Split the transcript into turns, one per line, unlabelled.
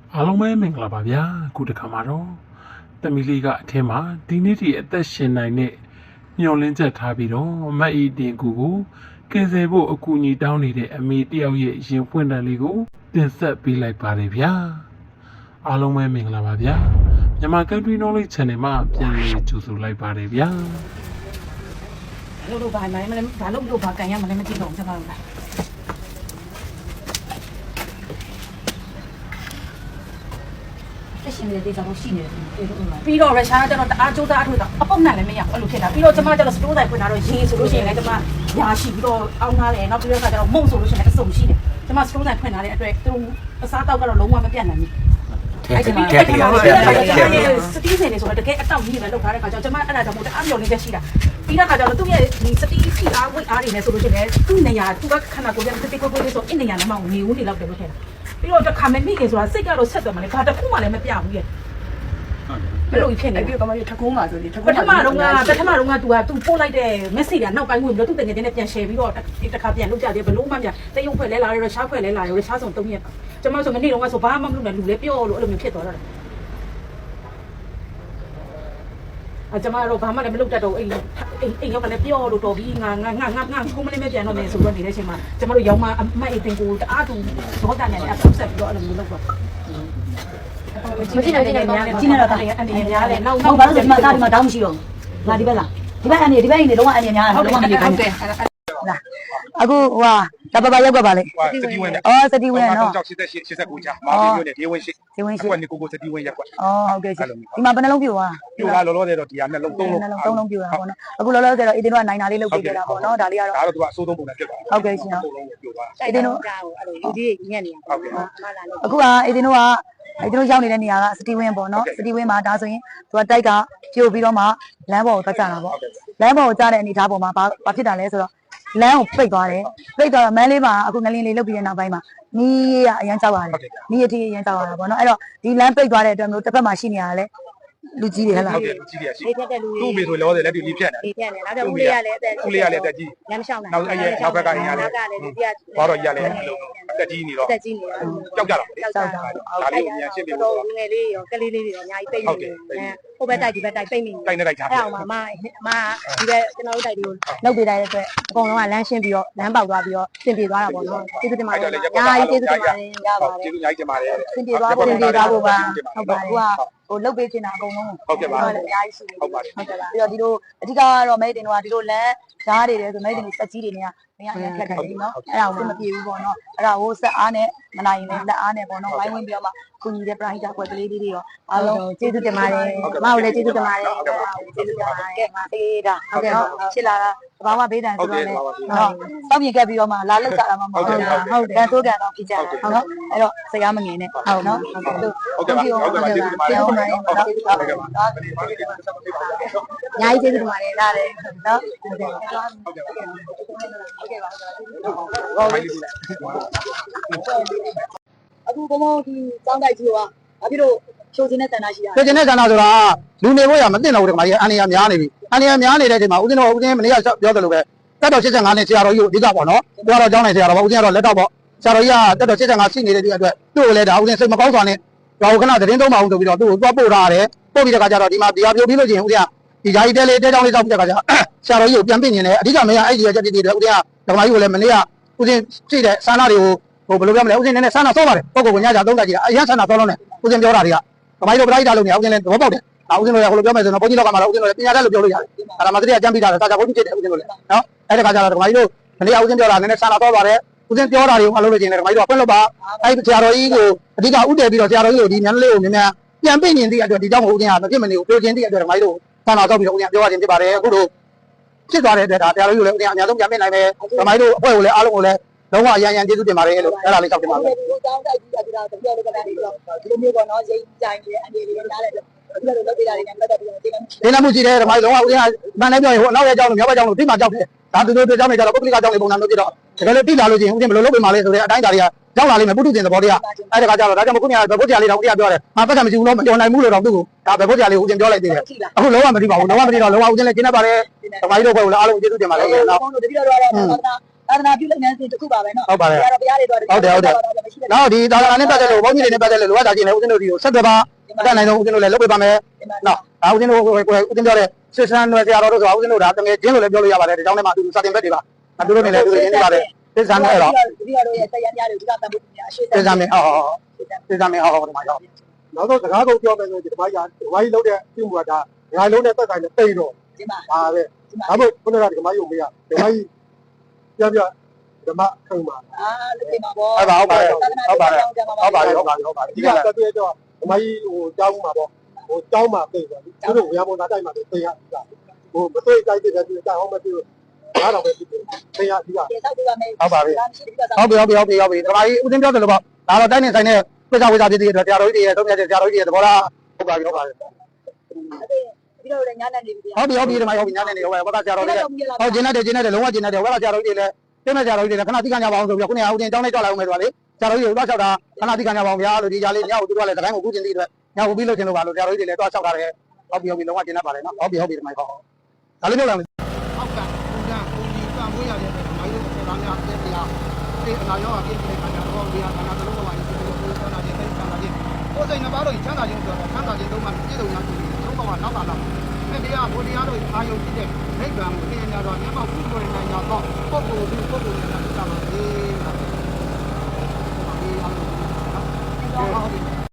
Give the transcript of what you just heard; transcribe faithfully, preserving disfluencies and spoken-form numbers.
အားလုံးပဲမင်္ဂလာပါဗျာခုတစ်ခါမှာတော့တမီလေးကအထင်းမှာဒီနေ့ဒီအသက်ရှင်နိုင်တဲ့မျောလင်းချက်ထားပြီးတော့မတ်အီတင်ကူကိုကယ်ဆယ်ဖို့အကူအညီတောင်းနေတဲ့အမေတယောက်ရဲ့ရင်ဖွင့်တန်လေးကိုတင်ဆက်ပေးလိုက်ပါတယ်ဗျာအားလုံးပဲမင်္ဂလာပါဗျာမြန်မာ Country Knowledge Channel မှာပြန်လည်ကြိုဆိုလိုက်ပါတယ်ဗျာ
လို့လို့ဘာမှမလဲဘာလို့လို့ဘာကန်ရမလဲမသိတော့ကျွန်တော်တို့လက်ရှိနေတဲ့ဒေတာကိုရှိနေတယ်ပြီးတော့ရုရှားကကျတော့တအားကြိုးစားအထုတော့အပုတ်နဲ့လည်းမရဘူးအဲ့လိုဖြစ်တာပြီးတော့ကျွန်မကျတော့စတိုးဆိုင်ဖွင့်လာတော့ရေးဆိုလို့ရှိရင်လည်းကျွန်မညာရှိပြီးတော့အောင်းထားတယ်နောက်ပြီးတော့ကျတော့မုံဆိုလို့ရှိရင်လည်းအစုံရှိတယ်ကျွန်မစတိုးဆိုင်ဖွင့်လာတဲ့အတွက်သူအစားတောက်ကတော့လုံးဝမပြတ်နိုင်ဘူးအဲ့ဒီမှာစတီးစင်နေဆိုတော့တကယ်အတောက်ကြီးပဲလောက်ထားတဲ့ခါကျတော့ကျွန်မအဲ့ဒါကြောင့်မို့တအားမျောလေးချက်ရှိတာပြီးတော့ခါကျတော့သူ့ရဲ့ဒီစတီးစီအားဝိတ်အားတွေနဲ့ဆိုလို့ရှိရင်သူ့နေရာသူကခဏကိုပြန်တစ်တိကိုကိုလေးဆိုအင်းနေရာနဲ့မှနေဦးနေလောက်တယ်လို့ထင်တာပြီးတော့တစ်ခါမမိခင်ဆိုတာစိတ်ကတော့ဆက်တယ်မလဲဘာတစ်ခုမှလည်းမပြဘူးရဲ့ဘယ်လိုဖြစ်နေလဲ
ဒီကမကြီးထကုန်းပါဆိုဒီထကု
န်းပထမတော့ကပထမတော့က तू က तू ပို့လိုက်တဲ့ message ကနောက်ပိုင်းဝင်ပြီးတော့သူ့တကယ်တည်းနဲ့ပြန် share ပြီးတော့တစ်ခါပြန်လုပ်ကြတယ်ဘလို့မှမပြတရုပ်ဖွဲ့လဲလာရရှားဖွဲ့လဲလာရရှားဆုံးသုံးရက်ကျွန်မဆိုမနေ့တော့ကဆိုဘာမှမလုပ်နဲ့လူလဲပြောလို့အဲ့လိုမျိုးဖြစ်သွားတော့တယ်အကျမတို့ဘာမှလည်းမလုပ်တတ်တော့အိမ်အိမ်အိမ်ရောက်ကလည်းပြောလို့တော်ပြီးငါငါငါငါငါခုမလေးမပြန်တော့မယ်ဆိုတော့နေတဲ့အချိန်မှာကျမတို့ရောင်းမအမတ်အိမ်တင်ကိုတအားတူဒေါသနဲ့အပ်ဆက်ပြီးတော့အဲ့လိုမျိုးလုပ်တော့မကြည့်နိုင်တဲ့နေရာနဲ့ကြည့်နေတော့တာအနေနဲ့များတယ်နောက်
နောက်ဘာလို့ဒီမှာတာဒီမှာတောင်းမရှိတော့ငါဒီဘက်လားဒီဘက်အနေဒီဘက်အနေလုံးဝအနေများတယ်လုံးဝမနေဘူးဟုတ်တယ်လားအခုဟိုဟာတပပရောက်ကပါလေ
စတီဝင်
အော်စတီဝင်နော်
ကြောက်၈၈ ၈၉ကြာမာဗီယိုနဲ့ဒေဝင်ရှိ
ဒေဝင်ရှိ
ကွက်နေကိုကိုစတီဝင်ရက်ကွက်
အော်ဟုတ်ကဲ့ဒီမှာဘယ်နှလုံးပြိုသွား
ပြိုလာလောလောဆယ်တော့ဒီဟာနဲ့လုံးသုံးလုံး
နှလုံးသုံးလုံးပြိုတာပေါ့နော်အခုလောလောဆယ်တော့အေးတင်းတို့ကနိုင်တာလေးလုပ်ပေးကြတာပေါ့နော်ဒါလေးကတော့
ဒါတော့သူကအစိုးသုံးပုံနဲ့ဖြစ်သွား
ဟုတ်ကဲ့ရှင်
အေးတင်းတို့အဲ့လိုလူကြီးညက်နေတာ
ဟုတ်ကဲ့
အခုကအေးတင်းတို့ကအဲ့တို့ရောက်နေတဲ့နေရာကစတီဝင်းပေါ့နော်စတီဝင်းမှာဒါဆိုရင်သူကတိုက်ကပြိုပြီးတော့မှလမ်းပေါ်ကိုတက်ကြတာပေါ့လမ်းပေါ်ကိုကြားတဲ့အနေအထားပေါ်မှာဘာဘာဖြစ်တာလဲဆိုတော့လမ်းကိုပိတ်သွားတယ်ပိတ်သွားတော့မန်းလေးမှာအခုငလင်းလေးလုတ်ပြီးတဲ့နောက်ပိုင်းမှာနီးရအရန်ကြောက်ရတယ်နီးရတီးအရန်ကြောက်ရတာပေါ့နော်အဲ့တော့ဒီလမ်းပိတ်သွားတဲ့အတွက်မျိုးတစ်ဖက်မှာရှိနေရတာလေလူကြီးတွေဟဲ့လား
ဟုတ်ကဲ့လူကြီးတွေရှိအေးတက်တဲ့လူတွေသူ့မိဆိုလောလောဆယ်လက်တွေလေးဖြတ်နေ
အေးဖြတ်နေနောက်တော့ဦးလေးရလည်းအသက်
ဦးလေးရလည်းအသက်ကြီး
လမ်းမလျှောက်နိုင်
နောက်အဲ့ရဲ့နောက်ဘက်ကအိမ်ရလည်း
နောက်ကလည်းလူကြီးက
ဘာတော့ရလည်းအသက်ကြီးနေတော့
အသက်ကြီးနေတော့
ကြောက်ကြတာ
ကြောက်ကြတာ
ဒါလေးကိုမြန်ရှင်းပြ
ဖို့ငယ်လေးရောကလေးလေးတွေရောအများကြီးပိတ်နေတယ်ဟိုဘက်တိုက်ဒီဘက်တိုက်ပိတ်နေ
တိုက်နေတိုက်ချာ
အဲ့အောင်မမမဒီဘက်ကျွန်တော်တို့တိုက်တွေကိုလောက်ပေးလိုက်တဲ့အတွက်အကုန်လုံးကလမ်းရှင်းပြီးတော့လမ်းပေါက်သွားပြီးတော့ပြင်ပြသွားတာပေါ့နော်ကျေးဇူးတင်ပါတယ်ညာကြီးကျေးဇူးတင်ပါတယ်ရပါတယ်
ကျေးဇူးညာကြီးတင်ပါတယ်
ပြင်ပြသွားဖို့ပြင်ပြသွားဖို့ပါဟုတ်ပါတယ်ဟိုကဟိုလုတ်ပေးချင်တာအကုန်လုံး
ဟုတ်ကဲ့ပါ
အများကြီးရှိတယ်
ဟုတ်ပါတယ်
ဟုတ်ကဲ့ပါပြီးတော့ဒီလိုအဓိကကတော့မဲတင်တော့ဒီလိုလမ်းဓာတ်တွေတယ်ဆိုမဲတင်စက်ကြီးတွေနဲ့မရရင်ဖြတ်တယ်နော်အဲ့ဒါကိုမပြေဘူးပေါ့နော်အဲ့ဒါကိုစက်အားနဲ့မနိုင်ရင်လည်းလက်အားနဲ့ပေါ့နော်ဝိုင်းဝန်းပြီးတော့မှကုညီတဲ့ပရိဟိတကွက်ကလေးလေးတွေရောအားလုံးကျေးဇူးတင်ပါတယ်မဟုတ်လည်းကျေးဇူးတင်ပါတယ်ကျေးဇူးတင်ပါတယ်မအေးဒါဟုတ်ကဲ့ဖြစ်လာတာဘာမှဘေးတန်ဆိုတော့လေနော်စောင့်မြင်ခဲ့ပြီးတော့မှလာလောက်ကြတာမှမဟုတ်ဘူးဟုတ်တယ်တိုးကန်တော့ဖြစ်ကြတာဟုတ်နော်အဲ့တော့စကားမငင်နဲ့ဟုတ်နော်
ဟုတ်ကဲ့ဟုတ်ကဲ့ကျေးဇူးတင်ပါတယ်
ကျေးဇူးတင်ပါတယ်ဟုတ်ကဲ့ပါဟုတ်ကဲ့ပါညာကြီးကျေးဇူးတင်ပါတယ်လားလေနော်ဟုတ်ကဲ့ဟုတ်ကဲ့ဟုတ်ကဲ့ဟုတ်ကဲ့ပါအခုဘုံဘုံဒီစောင်းတိုက်ကြီးကဘာဖြစ်လို့ချိုးခြင်းနဲ့တန်တာရှိရ
ချိုးခြင်းနဲ့တန်တာဆိုတာလူနေဖို့ရမသိတော့ဘူးဒီမှာကြီးအန်ရများနေပြီအန်ရများနေတဲ့အချိန်မှာဦးဇင်းတော်ဦးဇင်းမနေ့ကပြောတယ်လို့ပဲတက်တော်၈၅နဲ့ဆရာတော်ကြီးကိုအဓိကပေါ့နော်ကိုကတော့ကျောင်းနိုင်ဆရာတော်ပေါ့ဦးဇင်းကတော့လက်တော့ပေါ့ဆရာတော်ကြီးကတက်တော်၈၅ရှိနေတဲ့ဒီအတွက်သူ့ကိုလည်းဒါဦးဇင်းစိတ်မကောင်းစွာနဲ့တော့ခဏသတင်းသုံးပါအောင်ဆိုပြီးတော့သူ့ကိုသွားပို့ထားတယ်ပို့ပြီးတဲ့ခါကျတော့ဒီမှာဒီဟာပြုတ်ပြီးလို့ချင်းဦးဇင်းကဒီယာယီတဲလေးတဲကြောင်းလေးတောက်ပြီးတဲ့ခါကျဆရာတော်ကြီးကိုပြန်ပြင်နေတယ်အဓိကမရအဲ့ဒီရချက်တည်းတည်းဦးဇင်းကဓမ္မကြီးကိုလည်းမနေ့ကဦးဇင်းကြည့်တဲ့ဆန္ဒတွေကိုဟိုဘယ်လိုပြောမလဲဦးဇင်းနဲ့ဆန္ဒဆောပါတယ်ပုဂ္ဂိုလ်ကိုညကြသုံးတာကြီးအရင်ဆန္ဒဆောလုံးနဲ့ဦးဇင်းပြောတာတွေကဓမ္မကြီးတို့ပရိဒါလုံးနေဦးဇင်းလည်းသဘောပေါက်တယ်ဦးဇင်းတို့ရဟိုလိုပြောမယ်ဆိုတော့ဘုန်းကြီးလောကမှာတော့ဦးဇင်းတို့လည်းပညာတတ်လို့ပြောလို့ရတယ်ဒါမှမသိအကြံပေးတာတာကြဘုန်းကြီးဖြစ်တယ်ဦးဇင်းတို့လည်းနော်အဲ့ဒီခါကျတော့ဓမ္မကြီးတို့မနေ့ကဦးဇင်းပြောတာနည်းနည်းဆန္ဒဆောပါတယ်ဦးဇင်းပြောတာတွေကိုအလုပ်လုပ်ခြင်းနဲ့ဓမ္မကြီးတို့ဖွင့်လို့ပါအဲ့ဒီဆရာတော်ကြီးကိုအဓိကဥတည်ပြီးတော့ဆရာတော်ကြီးကိုဒီမြန်လေးကိုမြန်မြန်ပြန်ပြင်နေသည့်အတွက်ဒီကြောင့်ဦးဇင်းကမဖြစ်မနေကိုပြောခြင်းသည့်အတွက်ဓမ္မကြီးတို့ဆန္ဒဆောပြီးတော့ဦးဇင်းပြောရခြင်းဖြစ်ပါတယ်အခုတို့ဖြစ်သွားတဲ့အတွက်ဒါဆရာတော်ကြီးကိုလည်းဦးဇင်းအများဆုံးပြန်ပြင်နိုင်မယ်ဓမ္မကြီးတို့အဖွဲ့ကိုလည်းအားလုံးကိုလည်းလုံးဝအရန်ရန်ကျေးဇူးတင်ပါတယ်လို့အဲ့ဒါလေးတောက်တင်ပါတယ်
ဒီတောင်းတိုက်ကြီးကဒီတော့တပြောလို့ကတည်းကဒီလိုမျိုးပေါ့နော်ရိတ်ကြိုင်တွေအနေတွေနားလဲဒီလိုလုပ်ပေးတာတွေနဲ့ပတ်သက်ပြီးတော့ဒီ
လိုမှုရှိတယ်ဓမ္မကြီးလုံးဝဦးဇင်းကမှန်တယ်ပြောရင်ဟိုအနောက်ရဲ့အကြောင်းလို့မြောက်ဘက်အကြောင်းလို့တိမှကြောက်တယ်ဒါသူတို့တို့အကြောင်းတွေကြတော့ပုဂ္ဂလိကအကြောင်းတွေပုံစံမျိုးဖြစ်တော့တကယ်လို့တိလာလို့ချင်းဦးဇင်းဘယ်လိုလုပ်ပေးမှလဲဆိုတဲ့အတိုင်းဒါတွေကကြောက်လာလိမ့်မယ်ပုထုဇဉ်သဘောတရားအဲ့ဒါကကြတော့ဒါကြောင့်မခုနကဘယ်ဖို့တရားလေးတော့တရားပြောတယ်ငါပတ်စံမရှိဘူးလို့မပြောနိုင်ဘူးလို့တော့သူ့ကိုဒါဘယ်ဖို့တရားလေးဦးဇင်းပြောလိုက်သေးတယ်အခုလုံးဝမသိပါဘူးလုံးဝမသိတော့လုံးဝဦးဇင်းလည်းကျင်းနေပါတယ်ဓမ္မကြီးတို့ဘက်ကိုလည်းအားလုံးကျေးဇူးတင်ပါတယ်နော်
တတိယတော့
သာသနာပြုလုပ်ငန်းစဉ်တစ်ခုပါပဲနော်
ဟုတ်ပါတယ်
ဘုရားတော်ဘုရားတွေတော့
ဟုတ်တယ်ဟုတ်တယ်နောက်ဒီသာသနာနဲ့ပတ်သက်လို့ဘုန်းကြီးတွေနဲ့ပတ်သက်လို့လိုအပ်တာချင်းလည်းဦးဇင်းတို့ဒီကိုဆက်သွယ်ပါအတတ်နိုင်ဆုံးဦးဇင်းတို့လည်းလုပ်ပေးပါမယ်နော်ဒါဦးဇင်းတို့ကိုကိုဦးဇင်းပြောတဲ့စစ်စံနယ်ဆရာတော်တို့ဆိုတာဦးဇင်းတို့ဒါတကယ်ချင်းလို့လည်းပြောလို့ရပါတယ်ဒီကြောင့်လည်းမှသူစာတင်ဘက်တွေပါအတူတူနေလည်းသူရင်းနေပါတယ်စစ်စံနဲ့တော့
ဒီတော်ရဲ့တရားများတွေဒီကတန်ဖို့များအရှိ
စစ်စံမင်းဟောစစ်စံမင်းဟောဒီမှာရောက်နောက်တော့စကားကုန်ပြောမယ်ဆိုဒီမှာရဒီမှာကြီးလုပ်တဲ့ပြုမှုကဒါငါလုံးနဲ့သက်ဆိုင်တဲ့တိတ်တော့
ဒီမှာ
ဒါပဲဒါမို့ခုနကဒီမှာယုံမရဒီမှာကြီးပြပြဓမ္မခံပါ
အာလူတွေမှာပေါ့
ဟုတ်ပါဟုတ်ပါတယ်ဟုတ်ပါတယ်ဟုတ်ပါတယ်ဟုတ်ပါတယ်ဟုတ်ပါတယ်ဒီကတက်ပြတော့ဒီမကြီးဟိုကြောင်းမှာပေါ့ဟိုကြောင်းမှာပြင်တယ်သူတို့ဝေယမောသားတိုက်မှာပြင်ရတာဟိုမသိတိုက်တဲ့သူကြောင်းအောင်မသိဘူးဒါတော့ပဲပြင်ပြင်ရပြီးတာ
ဒီဆောက်ပြပါမယ်
ဟုတ်ပါပြီ
မရှိဒီကစား
ဟုတ်ပြီဟုတ်ပြီဟုတ်ပြီဟုတ်ပြီဒီမကြီးဦးသိန်းပြောတယ်လို့ပေါ့ဒါတော့တိုက်နေဆိုင်တဲ့ပြဿနာဝိဇ္ဇာပြည်တွေအတွက်တရားတော်ကြီးတွေရဲ့သုံးမြတ်တဲ့တရားတော်ကြီးတွေသဘောလားဟုတ်ပါပြီဟုတ်ပါပြီ
ဒီတော့လည်းညာနေနေပြီ
ဟုတ်ပြီဟုတ်ပြီဒီမကြီးဟုတ်ပြီညနေနေဟုတ်ပါဘာသာတရားတော်ကြီးဟုတ်ကျင်းတဲ့ကျင်းတဲ့လုံးဝကျင်းတဲ့ဝဲလာတရားတော်ကြီးတွေလည်းတင်းတဲ့တရားတော်ကြီးတွေလည်းခဏသိခံကြပါအောင်ဆိုပြီးခုနေအောင်တင်တောင်းနေကြလာအောင်မယ်ဆိုပါလေတရားတော်ကြီးကိုသွားလျှောက်တာခဏသိခံကြပါအောင်ဗျာလို့ဒီကြားလေးညောက်သူတို့ကလည်းတိုင်းကိုကူးကျင်တဲ့အတွက်ညောက်ပြီးလို့ကျင်လို့ပါလို့တရားတော်ကြီးတွေလည်းသွားလျှောက်တာလည်းဟုတ်ပြီဟုတ်ပြီလုံးဝကျင်းတတ်ပါလေနော်ဟုတ်ပြီဟုတ်ပြီဒီမကြီးဟုတ်ဒါလေးပြောလာမယ်
အောက်ကပုံစံပုံကြီးပံ့ပိုးရတဲ့မိုင်းတို့ဆက်သားများတဲ့တရားဒီအနာရောအပြည့်တဲ့ခါကျတော့ဒီဟာကနာတလုံးပေါ်မှာဒီလိုမျိုးဆက်လာခြင်းတိတ်ဆက်လာခြင်းကိုယ်စိတ်နှစ်ပါးတို့ချမ်းသာခြင်းဆိုတော့ချမ်းသာခြင်းသုံးပါးပြည့်စုံရခြင်းသုံးပါးကနောက်ကလာမယ်ဒီတရားဘုရားတို့အာယုံကြည့်တဲ့နိဗ္ဗာန်ကိုသိရကြတော့မျက်မှောက်ပြုလို့